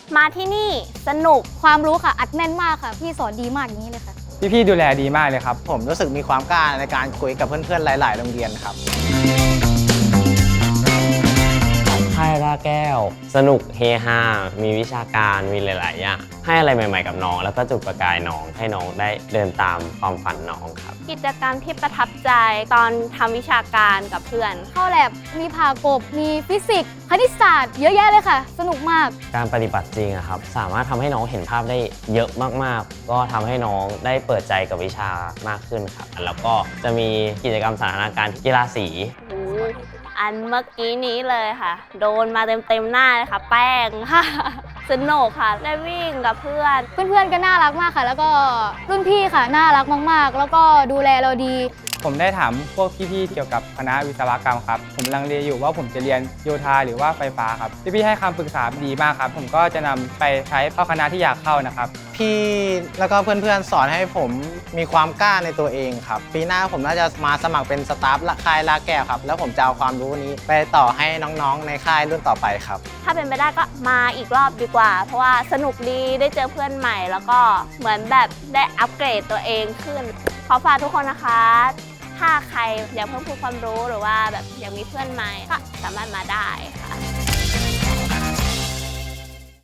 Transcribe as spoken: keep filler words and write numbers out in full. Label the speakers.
Speaker 1: มาที่นี่สนุก
Speaker 2: ความรู้ค่ะอัดแน่นมากค่ะพี่สอนดีมากอย่างนี้เลยค่ะ
Speaker 3: พี่ๆดูแลดีมากเลยครับ
Speaker 4: ผมรู้สึกมีความกล้าในการคุยกับเพื่อนๆหลายๆโรงเรียนครับ
Speaker 5: ค่ายล่าแก้วสนุกเฮฮามีวิชาการมีหลายๆอย่างให้อะไรใหม่ๆกับน้องแล้วก็จุดประกายน้องให้น้องได้เดินตามความฝันน้องครับ
Speaker 1: กิจกรรมที่ประทับใจตอนทำวิชาการกับเพื่อน
Speaker 2: เข้าแลบมีผ่ากบมีฟิสิกส์คณิตศาสตร์เยอะแยะเลยค่ะสนุกมาก
Speaker 5: การปฏิบัติจริงอะครับสามารถทำให้น้องเห็นภาพได้เยอะมากๆก็ทำให้น้องได้เปิดใจกับวิชามากขึ้นครับแล้วก็จะมีกิจกรรมสันทนาการกีฬาสี
Speaker 1: อันเมื่อกี้นี้เลยค่ะโดนมาเต็มๆหน้าเลยค่ะแป้งค่ะสนุกค่ะได้วิ่งกับเพื่อน
Speaker 2: เพื่อนๆก็น่ารักมากค่ะแล้วก็รุ่นพี่ค่ะน่ารักมากๆแล้วก็ดูแลเราดี
Speaker 3: ผมได้ถามพวกพี่ๆเกี่ยวกับคณะวิศวกรรมครับผมลังเลอยู่ว่าผมจะเรียนโยธาหรือว่าไฟฟ้าครับพี่ๆให้คำปรึกษาดีมากครับผมก็จะนำไปใช้เข้าคณะที่อยากเข้านะครับ
Speaker 4: พี่แล้วก็เพื่อนๆสอนให้ผมมีความกล้าในตัวเองครับปีหน้าผมน่าจะมาสมัครเป็นสตาฟค่ายลาแก้วครับแล้วผมจะเอาความรู้นี้ไปต่อให้น้องๆในค่ายรุ่นต่อไปครับ
Speaker 1: ถ้าเป็นไปได้ก็มาอีกรอบดีกว่าเพราะว่าสนุกดีได้เจอเพื่อนใหม่แล้วก็เหมือนแบบได้อัปเกรดตัวเองขึ้นขอฝากทุกคนนะคะถ้าใครอยากเพิ่มพูนความรู้หรือว่าแบบอยากมีเพื่อนใหม่ก็สามารถมาได้ค่ะ